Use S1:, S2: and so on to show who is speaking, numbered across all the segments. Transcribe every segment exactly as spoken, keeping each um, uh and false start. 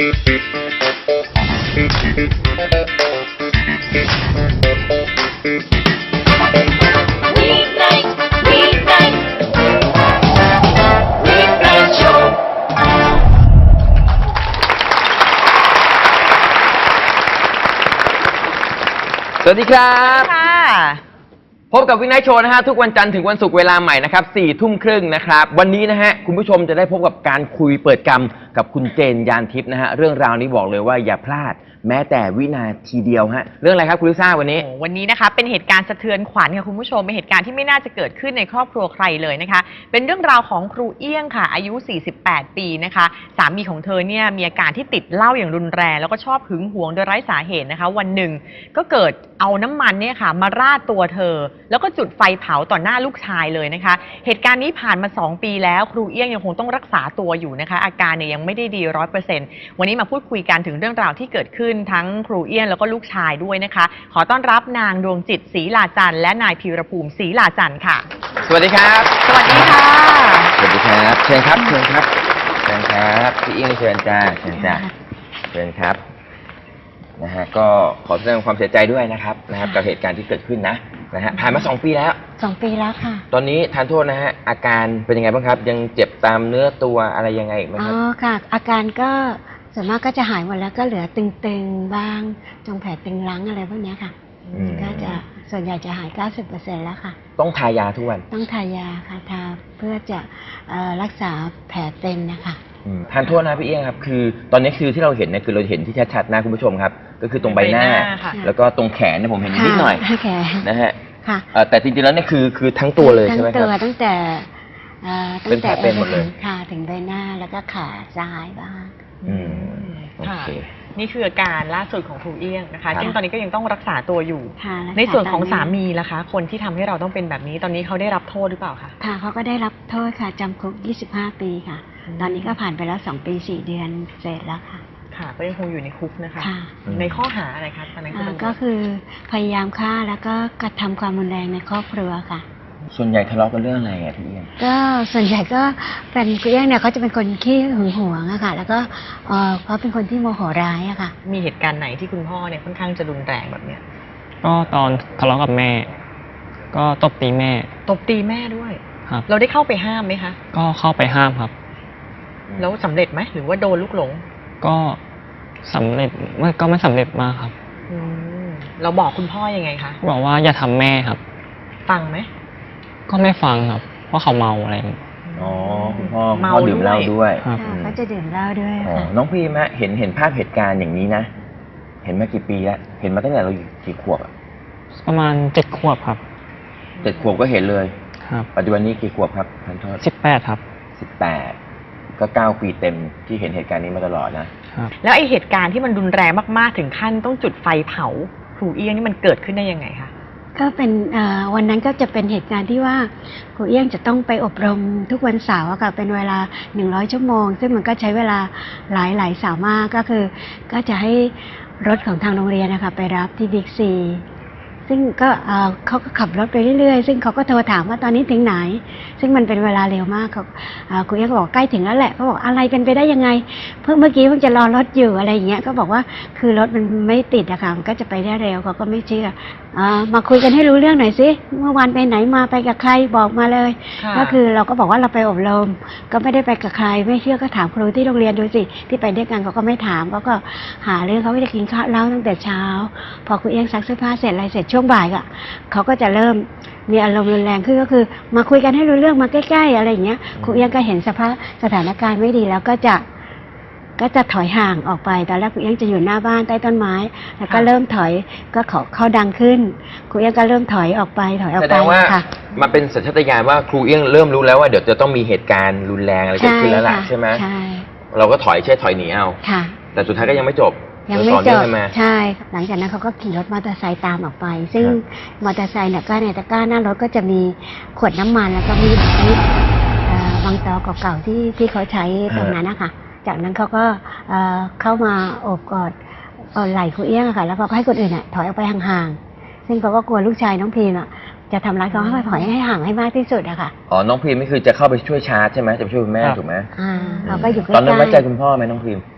S1: สวัสดีครับพบกับวินัยโชว์นะฮะทุกวันจันทร์ถึงวันศุกร์เวลาใหม่นะครับสี่ทุ่มครึ่งนะครับวันนี้นะฮะคุณผู้ชมจะได้พบกับการคุยเปิดกรรมกับคุณเจนยานทิพย์นะฮะเรื่องราวนี้บอกเลยว่าอย่าพลาดแม้แต่วินาทีเดียวฮะเรื่องอะไรครับคุณลิซ่าวันนี้
S2: วันนี้นะคะเป็นเหตุการณ์สะเทือนขวัญค่ะคุณผู้ชมเป็นเหตุการณ์ที่ไม่น่าจะเกิดขึ้นในครอบครัวใครเลยนะคะเป็นเรื่องราวของครูเอี้ยงค่ะอายุสี่สิบแปดปีนะคะสามีของเธอเนี่ยมีอาการที่ติดเหล้าอย่างรุนแรงแล้วก็ชอบหึงหวงโดยไร้สาเหตุนะคะวันหนึ่งก็เกิดเอาน้ำมันเนี่ยค่ะมาราดตัวเธอแล้วก็จุดไฟเผาต่อหน้าลูกชายเลยนะคะเหตุการณ์นี้ผ่านมาสองปีแล้วครูเอี้ยงยังคงต้องรักษาตัวอยู่นะคะอาการเนี่ยยังไม่ได้ดีร้อยเปอร์เซ็นต์วันนี้มาพูดคุยกันถึงเรื่องราวที่เกิดขึ้นทั้งครูเอี้ยงแล้วก็ลูกชายด้วยนะคะขอต้อนรับนางดวงจิตศรีลาจันทร์และนายพีรภูมิศรีลาจันทร์ค่ะ
S1: สวัสดีครับ
S2: สวัสดีค่ะ
S1: สวัสดีครับเชิญครับเชิญครับเชิญครับพี่เอี้ยงเชิญจ้าเชิญจ้าเชิญครับนะฮะก็ขอแสดงความเสียใจด้วยนะครับนะครับกับเหตุการณ์ที่เกิดขึ้นนะนะฮะผ่านมาสองปีแล้ว
S3: สองปีแล้วค่ะ
S1: ตอนนี้ทานโทษนะฮะอาการเป็นยังไงบ้างครับยังเจ็บตามเนื้อตัวอะไรยังไงไหมครับ
S3: อ๋อค่ะอาการก็ส่วนมากก็จะหายหมดแล้วก็เหลือตึงๆบ้างจงแผลตึงรั้งอะไรพวกนี้ค่ะก็จะส่วนใหญ่จะหาย เก้าสิบเปอร์เซ็นต์ แล้วค่ะ
S1: ต้องทายาทุกวัน
S3: ต้องทายาค่ะทาเพื่อจะรักษาแผลเป็นนะคะ
S1: ทานโทษนะพี่เอี้ยงครับคือตอนนี้คือที่เราเห็นเนี่ยคือเราเห็นที่ชัดๆนะคุณผู้ชมครับก็คือตรงใบหน้าแล้วก็ตรงแขนเนี่ยผมเห็นนิดหน่อยนะฮะแต่จริงๆแล้วเนี่ยคือคือทั้งตัวเลยใช่ไหมครับ
S3: ทั้งตัวตั้งแต่
S1: เป็นแผลเป็นหมดเลย
S3: ค่ะถึงใบหน้าแล้วก็ขาซ้ายบ้าง
S1: อืมโอเค
S2: นี่คืออาการล่าสุดของครูเอี้ยงนะคะซึ่งตอนนี้ก็ยังต้องรักษาตัวอยู่
S3: ใน
S2: ส่วนของสามีล่ะคะคนที่ทำให้เราต้องเป็นแบบนี้ตอนนี้เขาได้รับโทษหรือเปล่าคะ
S3: ค่ะเขาก็ได้รับโทษค่ะจำคุกยี่สิบห้าปีค่ะตอนนี้ก็ผ่านไปแล้วสองปีสี่เดือนเสร็จแล้วค่ะ
S2: ค่ะก็ยังคงอยู่ในคุกนะคะในข้อหาอะไรคะตอนนั้น
S3: ก็คือพยายามฆ่าแล้วก็กระทำความรุนแรงในครอบครัวค่ะ
S1: ส่วนใหญ่ทะเลาะกันเรื่องอะไรอ่ะพี่เอี้ยง
S3: ก็ส่วนใหญ่ก็เป็นพี่เอี้ยงเนี่ยเขาจะเป็นคนขี้หึงหวงอะค่ะแล้วก็เขาเป็นคนที่โมโหร้ายอะค่ะ
S2: มีเหตุการณ์ไหนที่คุณพ่อเนี่ยค่อนข้างจะรุนแรงแบบเนี้ย
S4: ก็ตอนทะเลาะกับแม่ก็ตบตีแม่
S2: ตบตีแม่ด้วย
S4: ครับ
S2: เราได้เข้าไปห้ามไหมคะ
S4: ก็เข้าไปห้ามครับ
S2: แล้วสำเร็จไหมหรือว่าโดนลูกหลง
S4: ก็สำเร็จไม่ก็ไม่สำเร็จมากครับ
S2: เราบอกคุณพ่อยังไงคะ
S4: บอกว่าอย่าทำแม่ครับ
S2: ฟังไหม
S4: ก็ไม่ฟังครับเพราะเขาเมาอะไร
S1: อ๋อคุณพ่อเมาดื่มเหล้าด้วย
S3: ครับก็จะดื่มเหล้าด้วย
S1: น้องพีมะเห็นเห็นภาพเหตุการณ์อย่างนี้นะเห็นมากี่ปีแล้วเห็นมาตั้งแต่เราอยู่กี่ขวบอ่ะ
S4: ประมาณเจ็ดขวบครับ
S1: เจ็ดขวบก็เห็นเลย
S4: ครับ
S1: ปัจจุบันนี้กี่ขวบครับท่านโทษ
S4: สิบแปดครับ
S1: สิบแปดก็เก้าปีเต็มที่เห็นเหตุการณ์นี้มาตลอดนะครับ
S2: แล้วไอเหตุการณ์ที่มันรุนแรงมากๆถึงขั้นต้องจุดไฟเผาครูเอี้ยงนี่มันเกิดขึ้นได้ยังไงคะ
S3: ก็เป็นวันนั้นก็จะเป็นเหตุการณ์ที่ว่าครูเอี้ยงจะต้องไปอบรมทุกวันเสาร์ค่ะเป็นเวลาหนึ่งร้อยชั่วโมงซึ่งมันก็ใช้เวลาหลายหลายเสาร์มากก็คือก็จะให้รถของทางโรงเรียนนะคะไปรับที่บิ๊กซีซึ่งก็เขาก็ขับรถไปเรื่อยๆซึ่งเขาก็โทรถามว่าตอนนี้ถึงไหนซึ่งมันเป็นเวลาเร็วมากเขาครูเอี้ยงก็บอกใกล้ถึงแล้วแหละเขาบอกอะไรเป็นไปได้ยังไงเพิ่งเมื่อกี้เพิ่งจะรอรถอยู่อะไรอย่างเงี้ยก็บอกว่าคือรถมันไม่ติดอะค่ะมันก็จะไปได้เร็วเขาก็ไม่เชื่อมาคุยกันให้รู้เรื่องหน่อยสิเมื่อวานไปไหนมาไปกับใครบอกมาเลยก็คือเราก็บอกว่าเราไปอบรมก็ไม่ได้ไปกับใครไม่เชื่อก็ถามครูที่โรงเรียนดูสิที่ไปด้วยกันเขาก็ไม่ถามเขาก็หาเรื่องเขาไม่ได้กินข้าวเล่าตั้งแต่เช้าพอครูเอี้ยงซักเสื้อผ้าเสร็จอะไรเสร็จช่วงบ่ายก็เขาก็จะเริ่มมีอารมณ์รุนแรงขึ้นก็คือมาคุยกันให้รู้เรื่องมาใกล้ๆอะไรอย่างเงี้ยครูเอี้ยงก็เห็นสภาพสถานการณ์ไม่ดีแล้วก็จะก็จะถอยห่างออกไปตอนแรกครูเอี้ยงจะอยู่หน้าบ้านใต้ต้นไม้แล้วก็เริ่มถอยก็เขาเขาดังขึ้นครูเอี้ยงก็เริ่มถอยออกไปถอยออกไป
S1: แสดงว่ามันเป็นสัญชาตญาณว่าครูเอี้ยงเริ่มรู้แล้วว่าเดี๋ยวจะต้องมีเหตุการณ์รุนแรงอะไรเกิดขึ้นแล้วล่ะใช่ไหม
S3: ใช่
S1: เราก็ถอยเช่ถอยหนีเอา
S3: ค่ะ
S1: แต่สุดท้ายก็ยังไม่จบ
S3: ยังไม่จบใช่หลังจากนั้นเขาก็ขี่รถมอเตอร์ไซค์ตามออกไปซึ่งมอเตอร์ไซค์เนี่ยก็ในตะกร้าหน้ารถก็จะมีขวดน้ำมันแล้วก็มีมีบางตอเก่าๆที่ที่เขาใช้ตรงนั้นนะคะจากนั้นเขาก็เข้ามาโอบกอดไหล่ครูเอี้ยงค่ะแล้วก็ให้คนอื่นถอยออกไปห่างๆซึ่งเขาก็กลัวลูกชายน้องพีมจะทำร้ายเขาให้ถอยให้ห่างให้มากที่สุดอะค่ะ
S1: อ๋อน้องพีมนี่คือจะเข้าไปช่วยชาร์จใช่ไหมจะไปช่วยคุณแม่ถูกไหม
S3: อ่าเขาก็อยู่ใกล้
S1: ตอนนั้นไว้ใจคุณพ่อไหมน้องพีม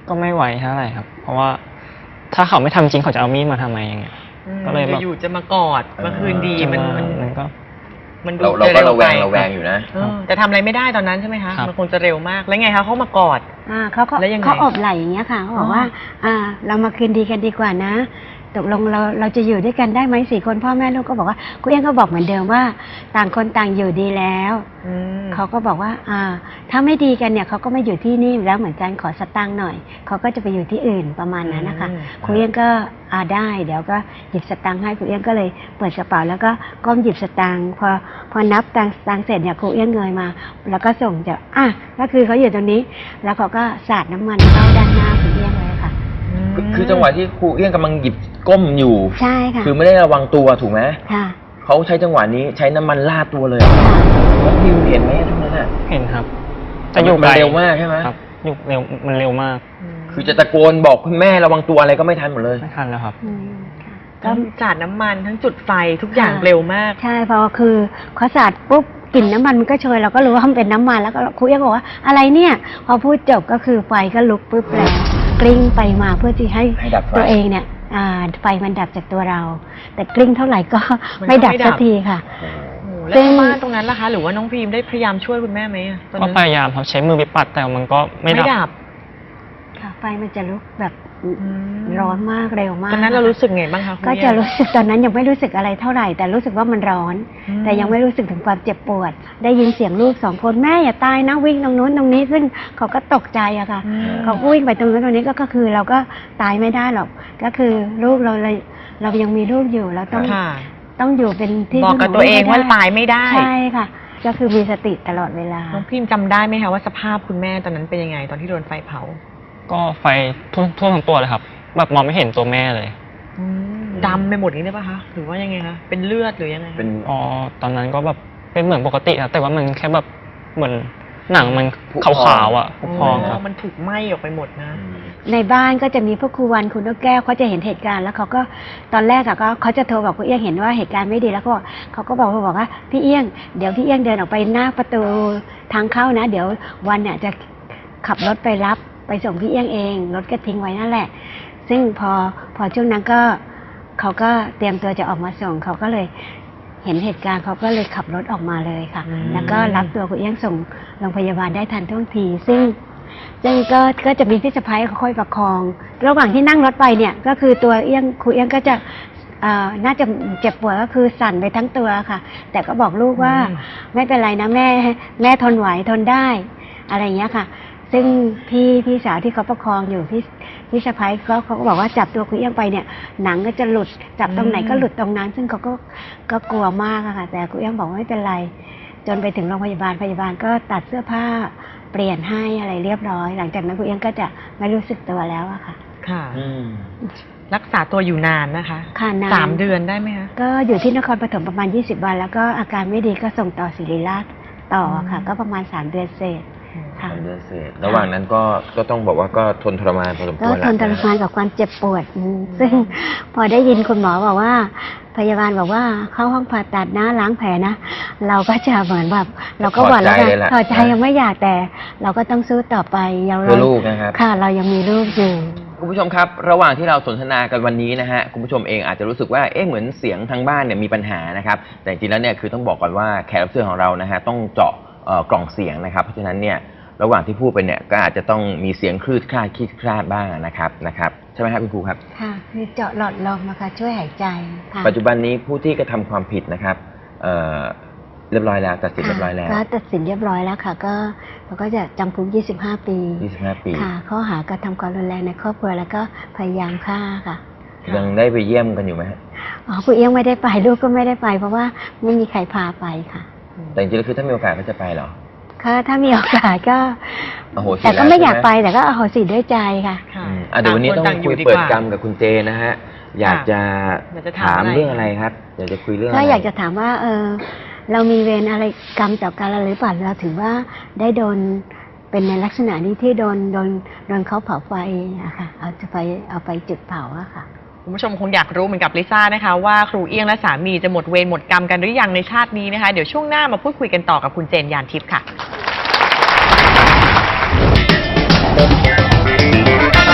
S4: ก็ไม่ไหวเท่าไหร่ครับ เพราะว่าถ้าเขาไม่ทำจริงเขาจะเอามีดมาทำไมอย่างเงี้ย
S2: อืม
S4: ก็เลยแบบ
S2: อยู่ๆจะมากอดมาคืนดีมันมัน
S4: มันก็
S2: มันดู
S1: เราเรา
S2: จะ
S1: ก็
S2: เร็ว
S1: ระแว
S2: ไป
S1: งระแวงอยู่นะ
S2: เออแต่ทำอะไรไม่ได้ตอนนั้นใช่ไหมคะ
S4: ครับ
S2: มันคงจะเร็วมากแล้วไงคะเขามากอด
S3: อ่าเขาก็
S2: แล้วยังไง
S3: เขาอบไหล่อย่างเงี้ยค่ะเขาบอกว่า อ่า เรามาคืนดีกันดีกว่านะ ตกลงเราเราจะอยู่ด้วยกันได้ไหมสี่คนพ่อแม่ลูกก็บอกว่าคุณเอี้ยงก็บอกเหมือนเดิมว่า ต่างคนต่างอยู่ดีแล้ว
S2: อืม
S3: เขาก็บอกว่า อ่า ถ้าไม่ดีกันเนี่ยเขาก็ไม่อยู่ที่นี่แล้วเหมือนกันขอสตางค์หน่อยเขาก็จะไปอยู่ที่อื่นประมาณนั้นนะคะ
S2: อืม
S3: คุณเอี้ยงก็อ่าได้เดี๋ยวก็หยิบสตางค์ให้คุณเอี้ยงก็เลยเปิดกระเป๋าแล้วก็ก้มหยิบสตางค์พอพอนับตังค์สตางค์เสร็จเนี่ยครูเอี้ยงเงยมา แล้วก็ส่งจะอ่ะก็คือเขาอยู่ตรงนี้ แล้วเขาก็สาดน้ำมันเข้าด้านหน้าคุณเอี้ยงเลยค่ะ
S1: คือคือจังหวะที่ครูเอี้ยงกำลังหยิบก้มอยู่
S3: ใช่ค่ะ
S1: คือไม่ได้ระวังตัวถูกไหม
S3: ค่ะ
S1: เขาใช้จังหวะนี้ใช้น้ำมันลาดตัวเลยน้องพิมเห็นไหมทุกนั้นอ่ะ
S4: เห็นครับ
S1: แต่อยู่
S4: ไกล
S1: เร็วมากใช่ไหม
S4: ครับอยู่เร็วมันเร็วมาก
S1: คือจะตะโกนบอกคุณแม่ระวังตัวอะไรก็ไม่ทันหมดเลย
S4: ไม่ทันแล้วครับ
S3: อืมค่ะก็
S2: ทั้งสาดน้ำมันทั้งจุดไฟทุกอย่าง
S3: ค่ะ
S2: เร็วมาก
S3: ใช่เพอคือเขาสาดปุ๊บกลิ่นน้ำมันมันก็โชยเราก็รู้ว่ามันเป็นน้ำมันแล้วก็ครูเอี้ยงบอกว่าอะไรเนี่ย พอพูดจบก็คือไฟก็ลุกปุ๊บแล้วกลิ้งไปมาเพื่อที่ให้
S1: ให้ดับไฟ
S3: ตัวเองเนี่ยอ่าไฟมันดับจากตัวเรา แต่กลิ้งเท่าไหร่ก็
S2: มันก็
S3: ไม่ดับ
S2: ไม่ดับ
S3: สักทีค่ะ
S2: โอ้โหแล้วชาวบ้านตรงนั้นล่ะคะ หรือว่าน้องพิมได้พยายามช่วยคุณแม่ไหมอะตอน
S4: ก็
S2: นั้น
S4: พยายามครับใช้มือไปปัดแต่มันก็ไม่
S2: ไม่
S4: ดับ
S2: ดับ
S3: ค่ะ ไฟมันจะลุกแบบ
S2: ม
S3: ร้อนมากเร็วมาก
S2: ตอนนั้นเรารู้สึกไงบ้างคะคุณ
S3: ก็
S2: เอี้
S3: จะ
S2: ยง
S3: รู้สึกตอนนั้นยังไม่รู้สึกอะไรเท่าไหร่ แต่รู้สึกว่ามันร้อน
S2: อืม
S3: แต่ยังไม่รู้สึกถึงความเจ็บปวด ได้ยินเสียงลูกสองคนแม่อย่าตายนะวิ่งตรงนู้นตรงนี้ ซึ่งเขาก็ตกใจอะค่ะ
S2: อืม
S3: เขาก็วิ่งไปตรงนู้นตรงนี้ก็ก็คือเราก็ตายไม่ได้หรอก ก็คือลูกเราเลยเรายังมีลูกอยู่เราต้อง
S2: ค่ะ
S3: ต้องอยู่เป็นที่
S2: บอกกับ
S3: พึ่
S2: ตัวเอง
S3: ให้
S2: ว่า
S3: ได้
S2: ตายไม่ได้
S3: ใช่ค่ะ ก็คือมีสติตลอดเวลา
S2: น้องพิมจำได้ไหมคะว่าสภาพคุณแม่ตอนนั้นเป็นยังไง ตอนที่โดนไฟเผา
S4: ก็ไฟทั่วทั่วทั้งตัวเลยครับ แบบมองไม่เห็นตัวแม่เลย
S2: ดำไปหมดอย่างนี้ได้ปะคะหรือว่ายังไงคะเป็นเลือดหรือยังไง
S1: เป็น
S4: อ๋อตอนนั้นก็แบบเป็นเหมือนปกติครับแต่ว่ามันแค่แบบเหมือนหนังมัน
S1: ผุ
S4: ขาว
S1: พอง
S4: ๆอ่ะผุพองครับ
S2: มันถูกไหม้ออกไปหมดนะ
S3: ในบ้านก็จะมีพวกครูวันคุณนกแก้วเขาจะเห็นเหตุการณ์แล้วเขาก็ตอนแรกอะก็เขาจะโทรบอกคุณเอี้ยงเห็นว่าเหตุการณ์ไม่ดีแล้วก็บอกเขาก็บอกบอกว่าพี่เอี้ยงเดี๋ยวพี่เอี้ยงเดินออกไปหน้าประตูทางเข้านะ เดี๋ยววันเนี่ยจะขับรถไปรับไปส่งพี่เอี้ยงเองรถก็ทิ้งไว้นั่นแหละ ซึ่งพอพอช่วงนั้นก็เขาก็เตรียมตัวจะออกมาส่งเขาก็เลยเห็นเหตุการณ์เขาก็เลยขับรถออกมาเลยค่ะ
S2: อืม
S3: แล้วก็รับตัวคุณเอี้ยงส่งโรงพยาบาลได้ทันท่วงที ซึ่ง ซึ่งก็ก็จะมีพี่สะพ้ายเขาคอยประคอง ระหว่างที่นั่งรถไปเนี่ยก็คือตัวเอี้ยงครูเอี้ยงก็จะเอ่อน่าจะเจ็บปวดก็คือสั่นไปทั้งตัวค่ะ แต่ก็บอกลูกว่า
S2: อืม
S3: ไม่เป็นไรนะแม่แม่ทนไหวทนได้อะไรอย่างเงี้ยค่ะ ซึ่งพี่พี่สาวที่เขาประคองอยู่พี่พี่สะพ้ายก็เขาก็บอกว่าจับตัวครูเอี้ยงไปเนี่ยหนังก็จะหลุดจับตรงไหนก็หลุดตรงนั้น ซึ่งเขาก็ก็กลัวมากอะค่ะ แต่ครูเอี้ยงบอกว่าไม่เป็นไร จนไปถึงโรงพยาบาลพยาบาลก็ตัดเสื้อผ้าเปลี่ยนให้อะไรเรียบร้อย หลังจากนั้นครูเอี้ยงก็จะไม่รู้สึกตัวแล้วอะค่ะ
S2: ค่ะ
S1: อืม
S2: รักษาตัวอยู่นานนะคะ
S3: ค่ะนาน
S2: สามเดือนได้ไหมคะ
S3: ก็อยู่ที่นครปฐมประมาณยี่สิบวัน แล้วก็อาการไม่ดีก็ส่งต่อศิริราชต่อค่ะ
S2: อืม
S3: ก็ประมาณสามเดือนเศษ ค่ะ
S1: สามเดือนเศษระหว่างนั้นก็ก็ต้องบอกว่าก็ทนทรมานพอสมค
S3: ก็
S1: วร
S3: ทนทรมานกับความเจ็บปวดอืมซึ่งพอได้ยินคุณหมอบอกว่า พยาบาลบอกว่าเข้าห้องผ่าตัดนะล้างแผลนะ เราก็จะเหมือนแบบเราก็หวั่นแล้วนะถอดใจยังไม่อยากแต่ เราก็ต้องสู้ต่อไปยัง
S1: เพื่อลูกนะครับ
S3: ค่ะ เรายังมีลูกอยู่
S1: คุณผู้ชมครับ ระหว่างที่เราสนทนากันวันนี้นะฮะคุณผู้ชมเองอาจจะรู้สึกว่าเอ๊ะเหมือนเสียงทางบ้านเนี่ยมีปัญหานะครับแต่จริงๆแล้วเนี่ยคือต้องบอกก่อนว่าแขกรับเชิญของเรานะฮะต้องเจาะเอ่อกล่องเสียงนะครับเพราะฉะนั้นเนี่ยระหว่างที่พูดไปเนี่ยก็อาจจะต้องมีเสียงคลืดคลาดคลีดคลาดบ้างนะครับนะครับใช่ไหมครับคุณครูครับ
S3: ค่ะคือเจาะหลอดลมนะคะช่วยหายใจค่ะ
S1: ปัจจุบันนี้ผู้ที่กระทำความผิดนะครับเอ่อเรียบร้อยแล้วตัดสินเรียบร้อยแล้ว
S3: ก็ตัดสินเรียบร้อยแล้วค่ะ ก็เราก็จะจำคุกยี่สิบห้าปี
S1: ยี่สิบห้าปี
S3: ค่ะ ข้อหากระทำความรุนแรงในครอบครัวแล้วก็พยายามฆ่าค่ะ
S1: ยังได้ไปเยี่ยมกันอยู่ไหมฮะ
S3: อ๋อคุณเอี้ยงไม่ได้ไปลูกก็ไม่ได้ไป เพราะว่าไม่มีใครพาไปค่ะ
S1: แต่จริงๆแล้วคือถ้ามีโอกาสก็จะไปเหรอ
S3: ก็ถ้ามีโอกาสก็
S1: อโหสิ
S3: แต่ก็ไม่อยาก
S1: แล้ว
S3: ไป
S1: ใช่ห
S3: แต่ก็อโหสิด้วยใจค่ะ
S2: ค่ะ
S1: อืมอ่ะเดี๋ยววันนี้ต้อง
S2: ต่าค
S1: คุย
S2: ดี
S1: เปิด
S2: ว่าก
S1: รรมกับคุณเจนะฮะอยากจะ
S2: อยากจะถาม
S1: ถาม
S2: อะไร
S1: เรื่องอะไรครับอยากจะคุยเรื่องอะ
S3: ก็
S1: ไร
S3: อยากจะถามว่า เออเรามีเวรอะไรกรรมต่อกันหรือเปล่าเราถือว่าได้โดนเป็นในลักษณะนี้ที่โดนโดนโดนเขาเผาไฟอะค่ะเอาจะไปเอาไปจุดเผาอะค่ะ
S2: คุณผู้ชมคงอยากรู้เหมือนกับลิซ่านะคะว่าครูเอี้ยงและสามีจะหมดเวรหมดกรรมกันหรือยังในชาตินี้นะคะเดี๋ยวช่วงหน้ามาพูดคุยกันต่อกับคุณเจนยานทิพย์ค่ะ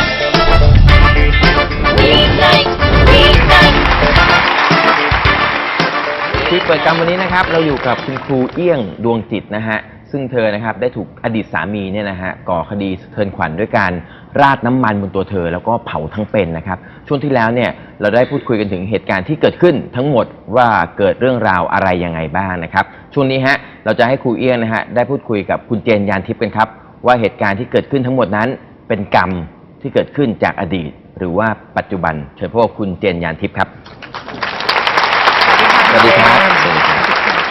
S1: คุยเปิดกรรมวันนี้นะครับเราอยู่กับคุณครูเอี้ยงดวงจิตนะฮะซึ่งเธอนะครับได้ถูกอดีตสามีเนี่ยนะฮะก่อคดีสะเทือนขวัญด้วยการราดน้ำมันบนตัวเธอแล้วก็เผาทั้งเป็นนะครับช่วงที่แล้วเนี่ยเราได้พูดคุยกันถึงเหตุการณ์ที่เกิดขึ้นทั้งหมดว่าเกิดเรื่องราวอะไรยังไงบ้างนะครับช่วงนี้ฮะเราจะให้ครูเอี้ยงนะฮะได้พูดคุยกับคุณเจนยานทิพย์กันครับว่าเหตุการณ์ที่เกิดขึ้นทั้งหมดนั้นเป็นกรรมที่เกิดขึ้นจากอดีตหรือว่าปัจจุบันเชิญพบกับคุณเจนยานทิพย์ครับสวัสดีครับสวัสดีครับ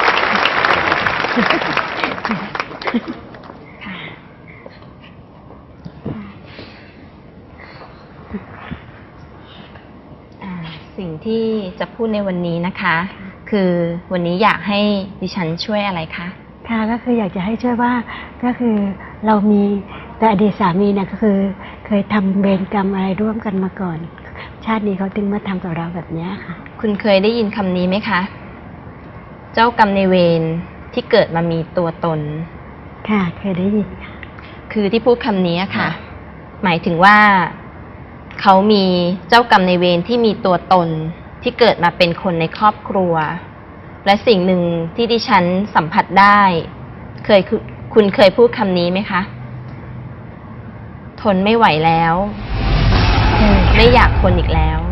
S5: อ่าสิ่งที่จะพูดในวันนี้นะคะ คือวันนี้อยากให้ดิฉันช่วยอะไรคะ
S3: ค่ะก็คืออยากจะให้ช่วยว่าก็คือเรามีแต่อดีตสามีเนี่ยก็คือเคยทำเวรกรรมอะไรร่วมกันมาก่อน ชาตินี้เขาถึงมาทำกับเราแบบเนี้ยค่ะ
S5: คุณเคยได้ยินคำนี้ไหมคะ เจ้ากรรมในายเวรที่เกิดมามีตัวตน
S3: ค่ะเคยได้ยินค่ะ
S5: คือที่พูดคำนี้ค่ะ หมายถึงว่าเขามีเจ้ากรรมในายเวรที่มีตัวตนที่เกิดมาเป็นคนในครอบครัว และสิ่งหนึ่งที่ดิฉันสัมผัสได้ เคยคุณคุณเคยพูดคำนี้ไหมคะ ทนไม่ไหวแล้ว ไม่อยากทนอีกแล้ว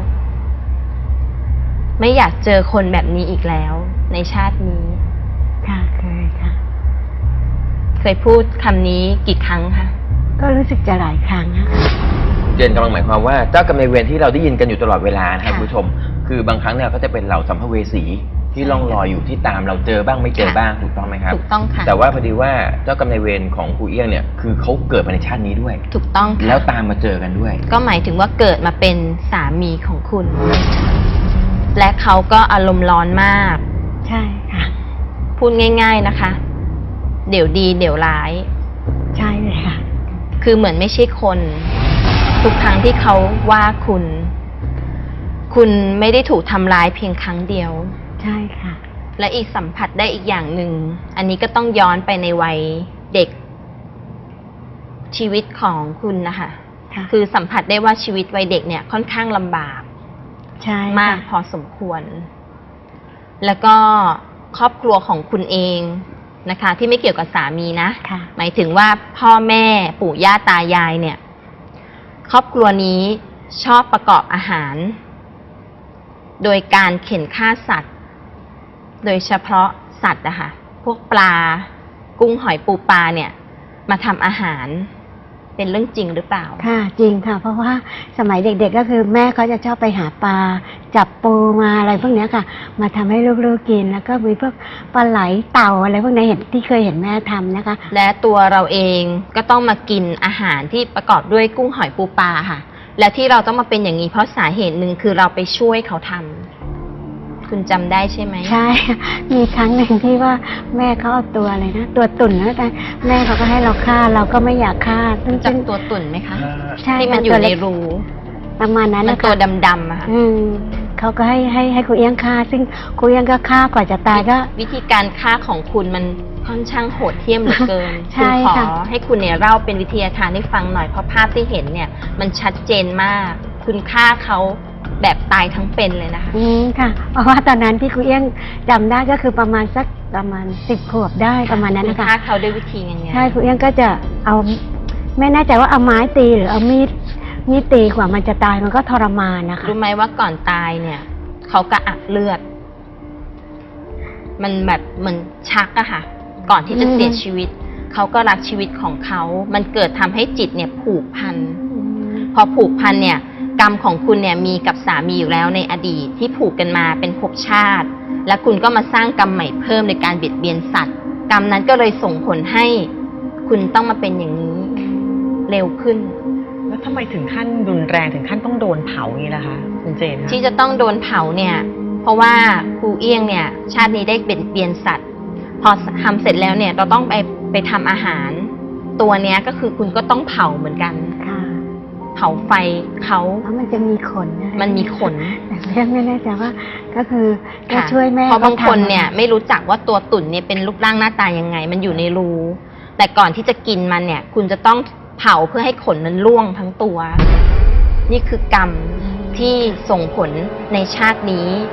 S5: ไม่อยากเจอคนแบบนี้อีกแล้ว ในชาตินี้
S3: ค่ะเคยค่ะ
S5: เคยพูดคำนี้กี่ครั้งคะ
S3: ก็รู้สึกจะหลายครั้งนะคะ
S1: เจนกำลังหมายความว่าเจ้ากรรมนายเวรที่เราได้ยินกันอยู่ตลอดเวลานะครับ
S5: ค่ะ
S1: คุณผู้ชม คือบางครั้งเนี่ยก็จะเป็นเหล่าสัมภเวสีที่ล่องลอยอยู่ที่ตามเราเจอบ้างไม่เจอบ้างถูกต้องไหมครับ
S5: ถูกต้องค่ะ
S1: แต่ว่าพอดีว่าเจ้ากรรมนายเวรของครูเอี้ยงเนี่ยคือเขาเกิดมาในชาตินี้ด้วย
S5: ถูกต้องค่ะ
S1: แล้วตามมาเจอกันด้วย
S5: ก็หมายถึงว่าเกิดมาเป็นสามีของคุณ และเขาก็อารมณ์ร้อนมาก
S3: ใช่ค่ะ
S5: พูดง่าย ๆนะคะ เดี๋ยวดีเดี๋ยวร้าย
S3: ใช่เลยค่ะ
S5: คือเหมือนไม่ใช่คน ทุกครั้งที่เขาว่าคุณ คุณไม่ได้ถูกทำร้ายเพียงครั้งเดียว
S3: ใช่ค่ะ
S5: และอีกสัมผัสได้อีกอย่างหนึ่ง อันนี้ก็ต้องย้อนไปในวัยเด็ก ชีวิตของคุณนะคะ
S3: ค่ะ
S5: คือสัมผัสได้ว่าชีวิตวัยเด็กเนี่ยค่อนข้างลำบาก
S3: ใช่
S5: มาก
S3: ค่ะ
S5: พอสมควร แล้วก็ครอบครัวของคุณเองนะคะ ที่ไม่เกี่ยวกับสามีนะ
S3: ค่ะ
S5: หมายถึงว่าพ่อแม่ปู่ย่าตายายเนี่ย ครอบครัวนี้ชอบประกอบอาหาร โดยการเข็นฆ่าสัตว์ โดยเฉพาะสัตว์นะคะพวกปลา กุ้งหอยปูปลาเนี่ย มาทำอาหารเป็นเรื่องจริงหรือเปล่า
S3: ค่ะจริงค่ะ เพราะว่าสมัยเด็กๆก็คือแม่เขาจะชอบไปหาปลาจับปูมาอะไรพวกเนี้ยค่ะ มาทำให้ลูกๆกินแล้วก็มีพวกปลาไหลเต่าอะไรพวกนี้เห็นที่เคยเห็นแม่ทำนะคะ
S5: และตัวเราเองก็ต้องมากินอาหารที่ประกอบด้วยกุ้งหอยปูปลาค่ะ และที่เราต้องมาเป็นอย่างนี้เพราะสาเหตุหนึ่งคือเราไปช่วยเขาทำคุณจำได้ใช่ไหม
S3: ใช่ มีครั้งหนึ่งที่ว่าแม่เขาเอาตัวอะไรนะตัวตุ่นนะแต่แม่เขาก็ให้เราฆ่าเราก็ไม่อยากฆ่าซึ่ง
S5: จั
S3: ซึ่
S5: บ
S3: ง
S5: ตัวตุ่นไหมคะ
S3: ใช่
S5: ที่มัน
S3: ค่ะ
S5: อยู่
S3: ตัว
S5: ใน
S3: เล็ก
S5: รู
S3: ประมาณนั้น
S5: มัน
S3: นะ
S5: ตัว
S3: คะ
S5: ดำๆอะค่ะ
S3: อืมเขาก็ให้ให้ให้ครูเอี้ยงฆ่า ซึ่งครูเอี้ยงก็ฆ่ากว่าจะตายก็
S5: วิธีการฆ่าของคุณมันค่อนข้างโหดเหี้ยมเหลือเกิน
S3: ใช่
S5: คุณขอ
S3: ค่ะ
S5: ให้คุณเนี่ยเล่าเป็นวิทยาทานให้ฟังหน่อยเพราะภาพที่เห็นเนี่ย มันชัดเจนมาก คุณฆ่าเขาแบบตายทั้งเป็นเลยนะคะ
S3: อืมค่ะ เพราะว่าตอนนั้นที่ครูเอี้ยงจำได้ก็คือประมาณสักประมาณสิบขวบได้ประมาณนั้น
S5: คุณ
S3: นะคะ
S5: ฆ่าเขาด้วยวิธียังไง
S3: ใช่ครูเอี้ยงก็จะเอาไม่แน่ใจว่าเอาไม้ตีหรือเอามีดมีดตีกว่ามันจะตายมันก็ทรมานนะคะ
S5: รู้ไหมว่าก่อนตายเนี่ยเขากระอักเลือด มันแบบเหมือนชักอะค่ะ ก่อนที่จะ
S3: อืม
S5: เสียชีวิต เขาก็รักชีวิตของเขา มันเกิดทำให้จิตเนี่ยผูกพัน พอผูกพันเนี่ย กรรมของคุณเนี่ยมีกับสามีอยู่แล้วในอดีตที่ผูกกันมาเป็นภพชาติ และคุณก็มาสร้างกรรมใหม่เพิ่มในการเบียดเบียนสัตว์ กรรมนั้นก็เลยส่งผลให้คุณต้องมาเป็นอย่างนี้ เร็วขึ้น
S2: แล้วทำไมถึงขั้นรุนแรงถึงขั้นต้องโดนเผาอย่างนี้ล่ะคะคุณเจนคะ
S5: ที่จะต้องโดนเผาเนี่ย เพราะว่าครูเอี้ยงเนี่ย ชาตินี้ได้เบียดเบียนสัตว์ พอทำเสร็จแล้วเนี่ย เราต้องไปไปทำอาหาร ตัวเนี้ยก็คือคุณก็ต้องเผาเหมือนกัน
S3: ค่ะ
S5: เผาไฟเขา
S3: แล้วมันจะมีขนอะไร
S5: มันมีขน
S3: แต่เพื่อนไม่แน่ใจว่าก็คือก็
S5: ค่ะ
S3: ช่วยแม่
S5: เพราะบางคน
S3: ขทำ
S5: เนี่ย ไม่รู้จักว่าตัวตุ่นเนี่ยเป็นรูปร่างหน้าตายังไง มันอยู่ในรู แต่ก่อนที่จะกินมันเนี่ย คุณจะต้องเผาเพื่อให้ขนนั้นร่วงทั้งตัว นี่คือกรรมที่ส่งผลในชาตินี้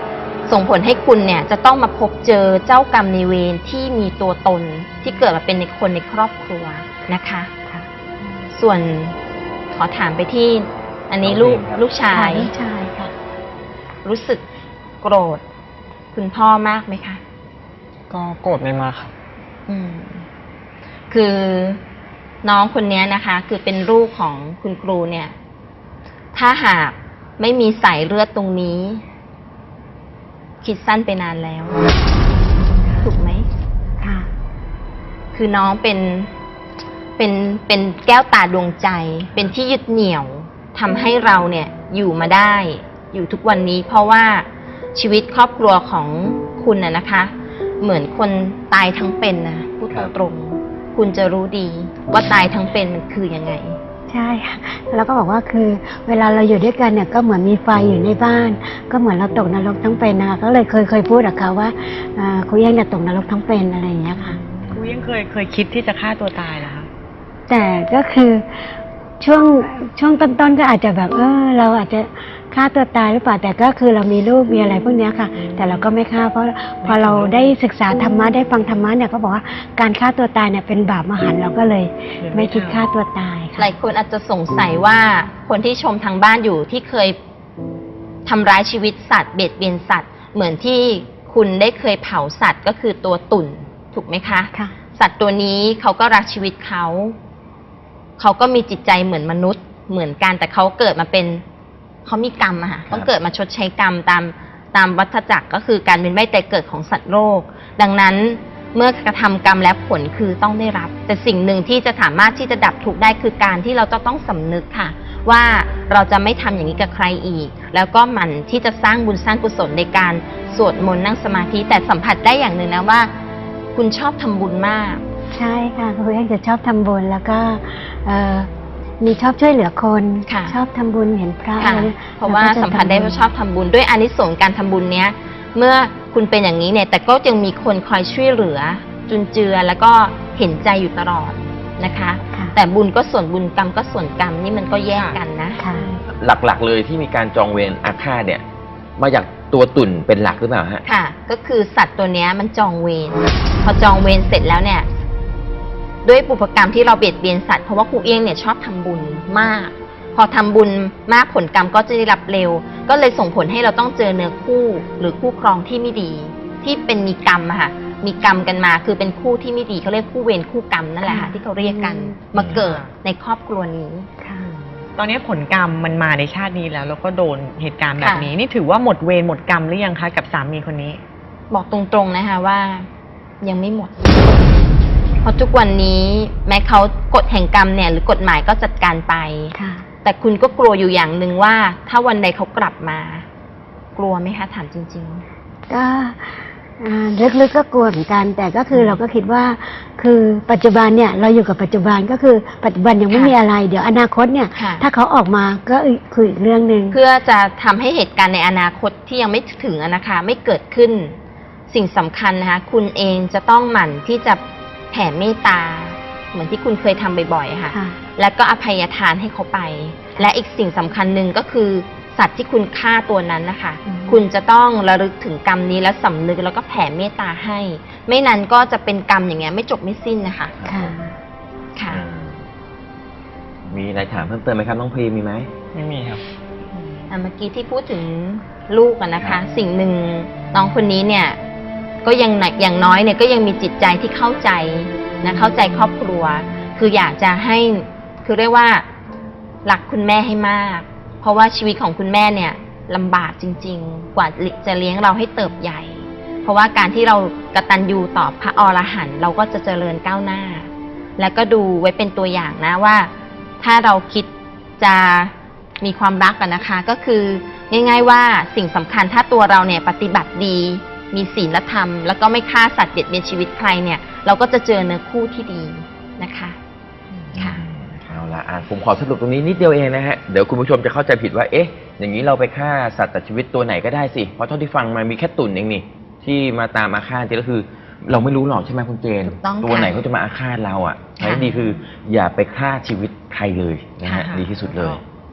S5: ส่งผลให้คุณเนี่ยจะต้องมาพบเจอเจ้ากรรมในายเวรที่มีตัวตนที่เกิดมาเป็นในคนในครอบครัวนะคะ
S3: ค่ะ
S5: ส่วนขอถามไปที่ อันนี้ลูกลูกชาย
S3: ลูกชายค่ะ
S5: รู้สึกโกรธคุณพ่อมากไหมคะ
S4: ก็โกรธไม่มากครับ
S5: อืม คือน้องคนนี้นะคะ คือเป็นลูกของคุณครูเนี่ย ถ้าหากไม่มีสายเลือดตรงนี้ คิดสั้นไปนานแล้ว ถูกไหม
S3: ค่ะ
S5: คือน้องเป็นเป็นเป็นแก้วตาดวงใจ เป็นที่ยึดเหนี่ยวทำให้เราเนี่ยอยู่มาได้ อยู่ทุกวันนี้ เพราะว่าชีวิตครอบครัวของคุณน่ะนะคะ เหมือนคนตายทั้งเป็นนะพูดตรงๆคุณจะรู้ดีว่าตายทั้งเป็นมันคือยังไง
S3: ใช่ค่ะแล้วก็บอกว่าคือเวลาเราอยู่ด้วยกันเนี่ยก็เหมือนมีไฟอยู่ในบ้าน ก็เหมือนเราตกนรกทั้งเป็นนะคะก็เลยเคยเคยพูดกับเขาว่าอ่าครูเอี้ยงเนี่ยตกนรกทั้งเป็นอะไรอย่างเงี้ยค่ะ
S2: ครูยังเคยเคยคิดที่จะฆ่าตัวตายเหรอคะ
S3: แต่ก็คือช่วงช่วงต้นๆก็อาจจะแบบเออเราอาจจะฆ่าตัวตายหรือเปล่าแต่ก็คือเรามีลูกมีอะไรพวกเนี้ยค่ะ แต่เราก็ไม่ฆ่าเพราะพอเราได้ศึกษาธรรมะได้ฟังธรรมะเนี่ยเขาบอกว่าการฆ่าตัวตายเนี่ยเป็นบาปมหันต์เราก็เลยไม่คิดฆ่าตัวตาย
S5: ห
S3: ค่ะ
S5: ลายคนอาจจะสงสัยว่าคนที่ชมทางบ้านอยู่ที่เคยทำร้ายชีวิตสัตว์เบียดเบียนสัตว์ เหมือนที่คุณได้เคยเผาสัตว์ก็คือตัวตุ่นถูกไหมคะ
S3: ค่ะ
S5: สัตว์ตัวนี้เขาก็รักชีวิตเขาเขาก็มีจิตใจเหมือนมนุษย์เหมือนกันแต่เขาเกิดมาเป็นเขามีกรรมอะค่ะต้องเกิดมาชดใช้กรรมตามตามวัฏจักรก็คือการเป็นไม่แต่เกิดของสัตว์โลกดังนั้นเมื่อกระทำกรรมแล้วผลคือต้องได้รับ แต่สิ่งหนึ่งที่จะสามารถที่จะดับทุกข์ได้คือการที่เราจะต้องสำนึกค่ะ ว่าเราจะไม่ทำอย่างนี้กับใครอีก แล้วก็หมั่นที่จะสร้างบุญสร้างกุศลในการสวดมนต์นั่งสมาธิแต่สัมผัสได้อย่างหนึ่งนะว่า คุณชอบทำบุญมาก
S3: ใช่ค่ะครูเอี้ยงจะชอบทำบุญแล้วก็เอ่อมีชอบช่วยเหลือคน
S5: ค่ะ
S3: ชอบทำบุญเห็นพระ
S5: ค่ะ
S3: อะไรนี่ย
S5: เพราะว่า
S3: แล้ก็จ
S5: สัมผัสได้ว่าชอบทำบุญด้วยอานิสงส์การทำบุญเนี้ย เมื่อคุณเป็นอย่างนี้เนี่ย แต่ก็ยังมีคนคอยช่วยเหลือ จุนเจือแล้วก็เห็นใจอยู่ตลอดนะคะ
S3: ค่ะ
S5: แต่บุญก็ส่วนบุญกรรมก็ส่วนกรรมนี่มันก็แยกกันนะ
S3: ค่ะ
S1: หลักๆเลยที่มีการจองเวรอาฆาตเนี่ย มาจากตัวตุ่นเป็นหลักหรือเปล่าฮะ
S5: ค่ะ ก็คือสัตว์ตัวเนี้ยมันจองเวรพอจองเวรเสร็จแล้วเนี่ย ด้วยปุพกรรมที่เราเบียดเบียนสัตว์เพราะว่าครูเอี้ยงเนี่ยชอบทำบุญมาก พอทำบุญมากผลกรรมก็จะได้รับเร็ว ก็เลยส่งผลให้เราต้องเจอเนื้อคู่หรือคู่ครองที่ไม่ดี ที่เป็นมีกรรมอะค่ะ มีกรรมกันมาคือเป็นคู่ที่ไม่ดีเขาเรียกคู่เวรคู่กรรมนั่นแหละค่ะที่เขาเรียกกันมาเกิดในครอบครัวนี้
S3: ค่ะ
S2: ตอนนี้ผลกรรมมันมาในชาตินี้แล้ว แล้วก็โดนเหตุการณ์แบบ
S5: ค่ะ
S2: นี้ นี่ถือว่าหมดเวรหมดกรรมหรือยังคะกับสามีคนนี้
S5: บอกตรงๆนะคะว่ายังไม่หมด เพราะทุกวันนี้แม้เขากฎแห่งกรรมเนี่ยหรือกฎหมายก็จัดการไป
S3: ค่ะ
S5: แต่คุณก็กลัวอยู่อย่างหนึ่งว่า ถ้าวันใดเขากลับมา กลัวไหมคะถามจริง
S3: ก็อ่าลึกๆก็กลัวเหมือนกัน แต่ก็คือเราก็คิดว่า คือปัจจุบันเนี่ยเราอยู่กับปัจจุบันก็คือปัจจุบันยังไม่
S5: ค่ะ
S3: มีอะไร เดี๋ยวอนาคตเนี่ย
S5: ค่ะ
S3: ถ้าเขาออกมาก็อีกคืออีกเรื่องหนึ่ง
S5: ๆ เพื่อจะทำให้เหตุการณ์ในอนาคตที่ยังไม่ถึงอะนะคะไม่เกิดขึ้น สิ่งสำคัญนะคะคุณเองจะต้องหมั่นที่จะแผ่เมตตา เหมือนที่คุณเคยทำบ่อยๆค่ะ
S3: ค่ะ
S5: แล้วก็อภัยทานให้เขาไป และอีกสิ่งสำคัญหนึ่งก็คือ สัตว์ที่คุณฆ่าตัวนั้นนะคะ
S3: อืม
S5: คุณจะต้องระลึกถึงกรรมนี้แล้วสำนึกแล้วก็แผ่เมตตาให้ ไม่นั้นก็จะเป็นกรรมอย่างเงี้ยไม่จบไม่สิ้นนะคะ
S3: ค่ะ
S5: ค่ะ
S1: มีอะไรถามเพิ่มเติมไหมครับน้องพรีมีไหม
S4: ไม่มีครับ
S5: อ่ะเมื่อกี้ที่พูดถึงลูกอะนะ
S1: ครั
S5: คะ
S1: บ
S5: สิ่งหนึ่งน้องคนนี้เนี่ยก็ยังอย่างน้อยเนี่ยก็ยังมีจิตใจที่เข้าใจนะเข้าใจครอบครัว คืออยากจะให้คือเรียกว่ารักคุณแม่ให้มาก เพราะว่าชีวิตของคุณแม่เนี่ยลำบากจริง ๆ กว่าจะเลี้ยงเราให้เติบใหญ่ เพราะว่าการที่เรากตัญญูต่อพระอรหันต์เราก็จะเจริญก้าวหน้า แล้วก็ดูไว้เป็นตัวอย่างนะว่า ถ้าเราคิดจะมีความรักกันนะคะ ก็คือง่าย ๆว่าสิ่งสำคัญถ้าตัวเราเนี่ยปฏิบัติดี มีศีลธรรม แล้วก็ไม่ฆ่าสัตว์เบียดเบียนชีวิตใครเนี่ย เราก็จะเจอเนื้อคู่ที่ดีนะคะค่ะ
S1: เอาละอ่ะผมขอสรุปตรงนี้นิดเดียวเองนะฮะ เดี๋ยวคุณผู้ชมจะเข้าใจผิดว่า เอ๊ะ อย่างนี้เราไปฆ่าสัตว์ตัดชีวิตตัวไหนก็ได้สิ เพราะเท่าที่ฟังมามีแค่ตุ่นเองนี่ ที่มาตามอาฆาตจริงก็คือ เราไม่รู้หรอกใช่ไหมคุณเจน
S5: ถูกต้อง
S1: ตัว
S5: ค่ะ
S1: ไหนเขาจะมาอาฆาตเราอ่ะ
S5: ค่ะ
S1: ใช้ดีคือ อย่าไปฆ่าชีวิตใครเลยนะฮะ
S2: ค่ะ
S1: ดีที่สุดเลย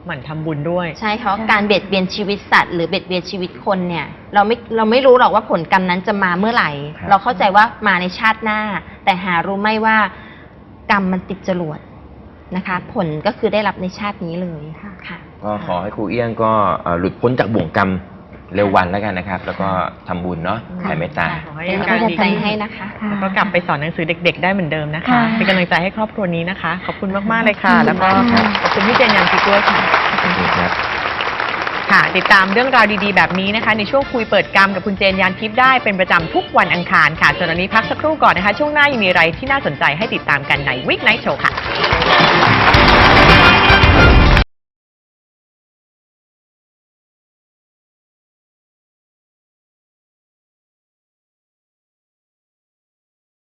S2: หมั่นทำบุญด้วย
S5: ใช่เพราะ
S3: ใช่
S5: การเบียดเบียนชีวิตสัตว์หรือเบียดเบียนชีวิตคนเนี่ยเราไม่เราไม่รู้หรอกว่าผลกรรมนั้นจะมาเมื่อไหร่
S1: ครับ
S5: เราเข้าใจว่ามาในชาติหน้า แต่หารู้ไหม่ว่ากรรมมันติดจรวดนะคะ ผลก็คือได้รับในชาตินี้เลยค่ะ
S1: ก็ขอให้ครูเอี้ยงก็เอ่อหลุดพ้นจากบ่วงกรรมเร็ววันแล้วกันนะครับ แล้วก็ทำบุญเนาะ
S2: ค่ะ
S1: แผ่เมตตา
S2: ขอให้
S5: เป็น
S2: อาการ
S5: กำลัง
S2: ดี
S5: ใจ
S2: ขึ้น
S5: ให้นะคะ
S3: ค่ะ
S2: แล้วก็กลับไปสอนหนังสือเด็ก ๆ ได้เหมือนเดิมนะคะ
S3: ค่ะ
S2: เป็นกำลังใจให้ครอบครัวนี้นะคะ ขอบคุณมากๆเลยค่ะ
S3: ขอบคุณ
S2: แล้วก็
S3: ค่ะ
S2: ขอบคุณพี่เจนยันทิพย์ด้วยค่ะ
S1: ขอบคุณครับ
S2: ค่ะ ติดตามเรื่องราวดีๆ แบบนี้นะคะ ในช่วงคุยเปิดกรรมกับคุณเจนยานทิพย์ได้เป็นประจำทุกวันอังคารค่ะส่วนวันนี้พักสักครู่ก่อนนะคะ ช่วงหน้ายังมีอะไรที่น่าสนใจให้ติดตามกันใน Weeknight Show ค่ะ